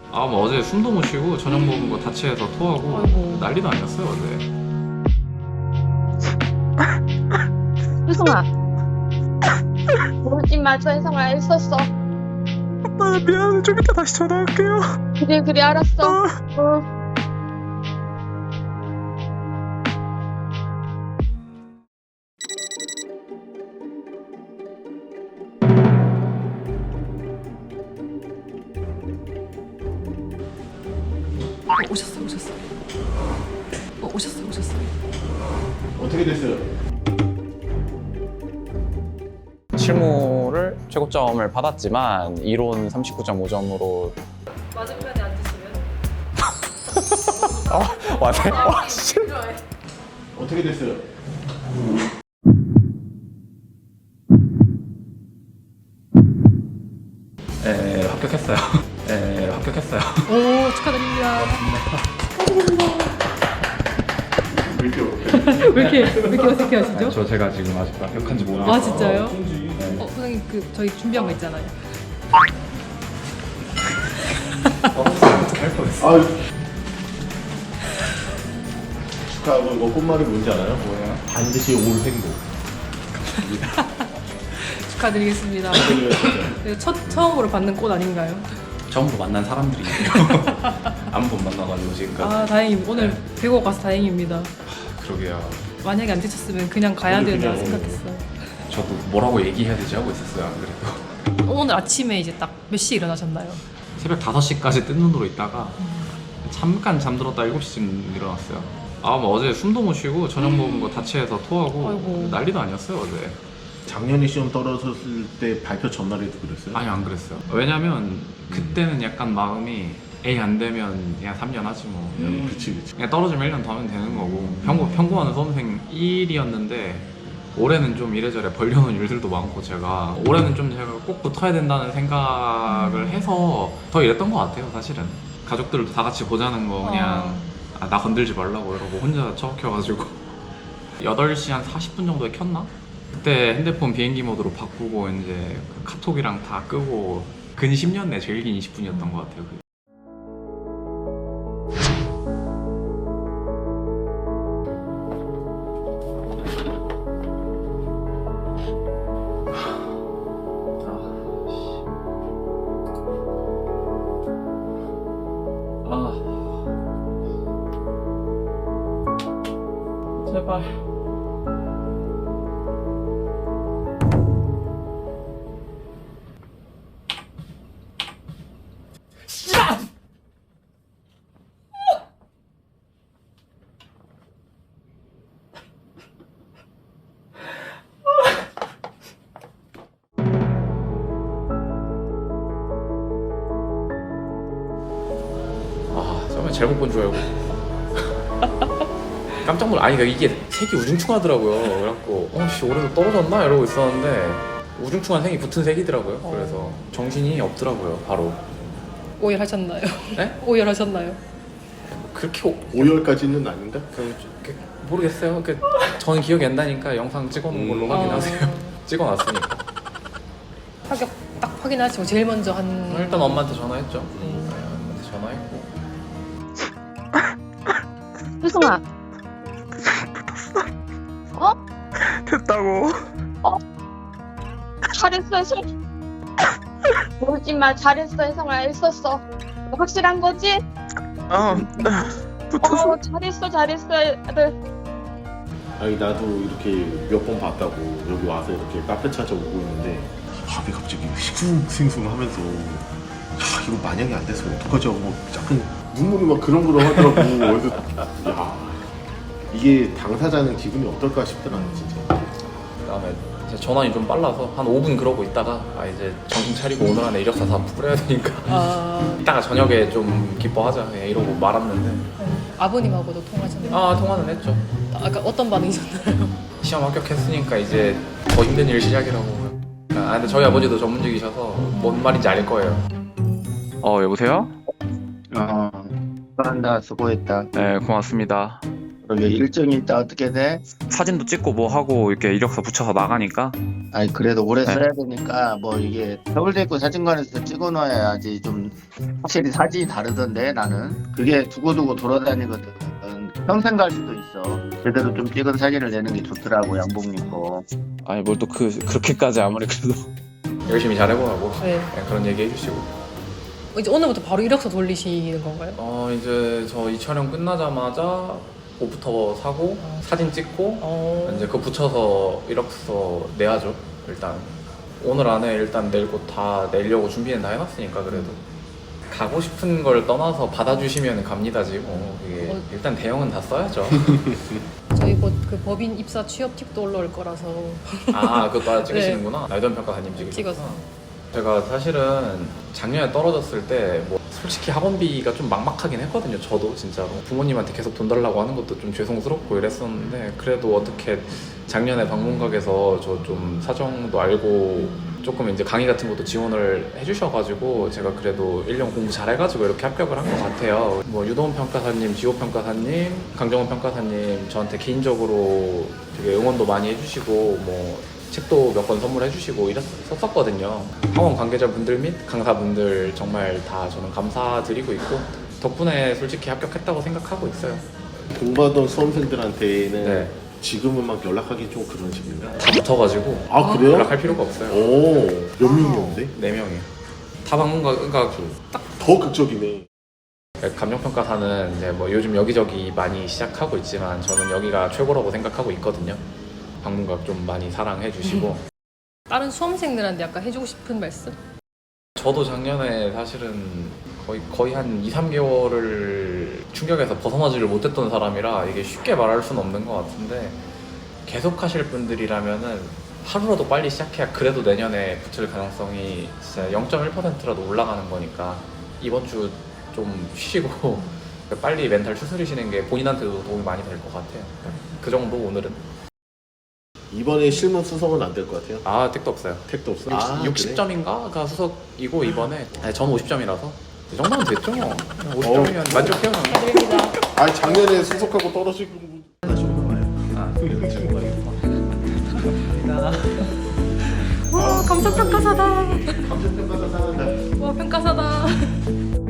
아, 뭐 어제 숨도 못 쉬고 저녁 먹은 거 다치해서 토하고 아이고. 난리도 아니었어요 어제. 효성아, 울지 마. 현성아, 있었어. 아, 미안해. 좀 이따 다시 전화할게요. 그래, 그래, 알았어. 응. 오셨어. 오셨어. 어떻게 됐어요? 실무를 최고점을 받았지만 이론 39.5점으로 맞은편에 앉으시면 와네? 와 씨. 어떻게 됐어요? 합격했어요. 합격했어요. 오, 축하드립니다. 왜 이렇게 어색해 하시죠? 제가 지금 아직 합격한지 모르겠어요. 아, 진짜요? 선생님, 저희 준비한 거 있잖아요. 할 뻔했어. 아유. 축하하고 이거 꽃말이 뭔지 알아요? 뭐예요? 반드시 올 행복. 축하드리겠습니다. 축하드려요. 네, 처음으로 받는 꽃 아닌가요? 처음으로 만난 사람들이에요. 한 번 만나가지고 지금까지. 아, 다행입니다. 오늘 배고 가서 다행입니다. 그러게요. 만약에 안 지쳤으면 그냥 가야 오늘 된다 그냥 생각했어요. 저도 뭐라고 얘기해야 되지 하고 있었어요. 안 그래도. 오늘 아침에 이제 딱 몇 시에 일어나셨나요? 새벽 5시까지 뜬 눈으로 있다가 잠깐 잠들었다 7시쯤 일어났어요. 아, 뭐 어제 숨도 못 쉬고 저녁 먹은 거 다치해서 토하고 아이고. 난리도 아니었어요 어제. 작년에 시험 떨어졌을 때 발표 전날에도 그랬어요? 아니, 안 그랬어요. 왜냐면 그때는 약간 마음이 에이 안 되면 그냥 3년 하지 뭐. 그치. 그냥 떨어지면 1년 더 하면 되는 거고. 평구하는 수험생 1이었는데 올해는 좀 이래저래 벌려놓은 일들도 많고, 제가 올해는 좀 제가 꼭 붙어야 된다는 생각을 해서 더 이랬던 것 같아요 사실은. 가족들도 다 같이 보자는 거 그냥 나 건들지 말라고 이러고 혼자 처박혀가지고 8시 한 40분 정도에 켰나? 그때 핸드폰 비행기 모드로 바꾸고 이제 그 카톡이랑 다 끄고 근 10년 내 제일 긴 20분이었던 것 같아요 그게. 제발. 처음에 잘못 본 줄 알고 깜짝 놀라. 아니 그러니까 이게 색이 우중충하더라고요. 그래갖고 씨 올해도 떨어졌나 이러고 있었는데 우중충한 색이 붙은 색이더라고요. 그래서 정신이 없더라고요 바로. 오열하셨나요? 네? 오열하셨나요? 그렇게 5월까지는 아닌가? 모르겠어요. 저는 기억이 안 나니까 영상 찍어놓은 걸로 확인하세요. 찍어놨으니까. 합격 딱 확인하시고 제일 먼저 한 일단 엄마한테 전화했죠. 엄마한테 전화했고. 효성아. 어? 됐다고. 잘했어, 혜성. 울지 마. 잘했어, 혜성아. 있었어. 확실한 거지? 붙었어. 잘했어, 아들. 아니 나도 이렇게 몇 번 봤다고 여기 와서 이렇게 카페 찾아오고 있는데 밥이 갑자기 싱숭생숭하면서 이거 만약에 안 됐으면 어떡하지 하고 약간 눈물이 막 그렁그렁 하더라고. 그래서 야 이게 당사자는 기분이 어떨까 싶더라 진짜. 그다음에 이제 전환이 좀 빨라서 한 5분 그러고 있다가 이제 정신 차리고 오늘 안에 이력서 다 뿌려야 되니까 이따가 저녁에 좀 기뻐하자 그냥 이러고 말았는데. 아버님하고도 통화하셨나요? 통화는 했죠. 아까 어떤 반응이셨나요? 시험 합격했으니까 이제 더 힘든 일 시작이라고. 근데 저희 아버지도 전문직이셔서 뭔 말인지 알 거예요. 여보세요? 한다 수고했다. 네, 고맙습니다. 그러게 일정이 있다 어떻게 돼? 사진도 찍고 뭐 하고 이렇게 이력서 붙여서 나가니까. 아니 그래도 오래 네. 써야 되니까 뭐 이게 서울대학교 사진관에서 찍어놔야지 좀 확실히 사진이 다르던데 나는 그게 두고두고 돌아다니거든. 평생 갈 수도 있어. 제대로 좀 찍은 사진을 내는 게 좋더라고 양복 입고. 아니 뭘 또 그렇게까지 아무리 그래도. 열심히 잘해보라고 네. 네, 그런 얘기 해주시고. 이제 오늘부터 바로 이력서 돌리시는 건가요? 이제 저 이 촬영 끝나자마자 옷부터 사고 사진 찍고 이제 그거 붙여서 이력서 내야죠. 일단 오늘 안에 일단 낼 곳 다 내려고 준비는 다 해놨으니까 그래도 가고 싶은 걸 떠나서 받아주시면 갑니다지 뭐 이게 일단 대형은 다 써야죠. 저희 곧 그 법인 입사 취업 팁도 올라올 거라서 아 그거 찍으시는구나. 날던 평가사님 찍으셨구나. 찍었어요. 제가 사실은 작년에 떨어졌을 때 뭐 솔직히 학원비가 좀 막막하긴 했거든요. 저도 진짜로 부모님한테 계속 돈 달라고 하는 것도 좀 죄송스럽고 이랬었는데 그래도 어떻게 작년에 방문각에서 저 좀 사정도 알고 조금 이제 강의 같은 것도 지원을 해주셔가지고 제가 그래도 1년 공부 잘해가지고 이렇게 합격을 한 것 같아요. 뭐 유도원 평가사님, 지호 평가사님, 강정원 평가사님 저한테 개인적으로 되게 응원도 많이 해주시고 뭐 책도 몇 권 선물해 주시고 이랬었거든요. 학원 관계자분들 및 강사분들 정말 다 저는 감사드리고 있고 덕분에 솔직히 합격했다고 생각하고 있어요. 공부하던 수험생들한테는 네. 지금은 막 연락하기 좀 그런 식인가? 다 붙어가지고 아 그래요? 연락할 필요가 없어요. 오, 몇 명이었는데? 4명이요. 다 방문가 그러니까 더 극적이네. 감정평가사는 이제 뭐 요즘 여기저기 많이 시작하고 있지만 저는 여기가 최고라고 생각하고 있거든요. 방문각 좀 많이 사랑해 주시고 다른 수험생들한테 약간 해주고 싶은 말씀? 저도 작년에 사실은 거의 한 2, 3개월을 충격에서 벗어나지를 못했던 사람이라 이게 쉽게 말할 수는 없는 것 같은데 계속 하실 분들이라면은 하루라도 빨리 시작해야 그래도 내년에 붙을 가능성이 진짜 0.1%라도 올라가는 거니까 이번 주 좀 쉬시고 빨리 멘탈 추스리시는 게 본인한테도 도움이 많이 될 것 같아요. 그 정도 오늘은. 이번에 실무 수석은 안 될 것 같아요? 아 택도 없어요. 택도 없어? 60점인가가 수석이고 이번에 전 50점이라서 이 정도면 됐죠. 50점이면 만족해요. 축하드립니다. 아니 작년에 수석하고 떨어지고 다시 올라와요. 와 감정평가사다. 감정평가사 사는다. 와 평가사다.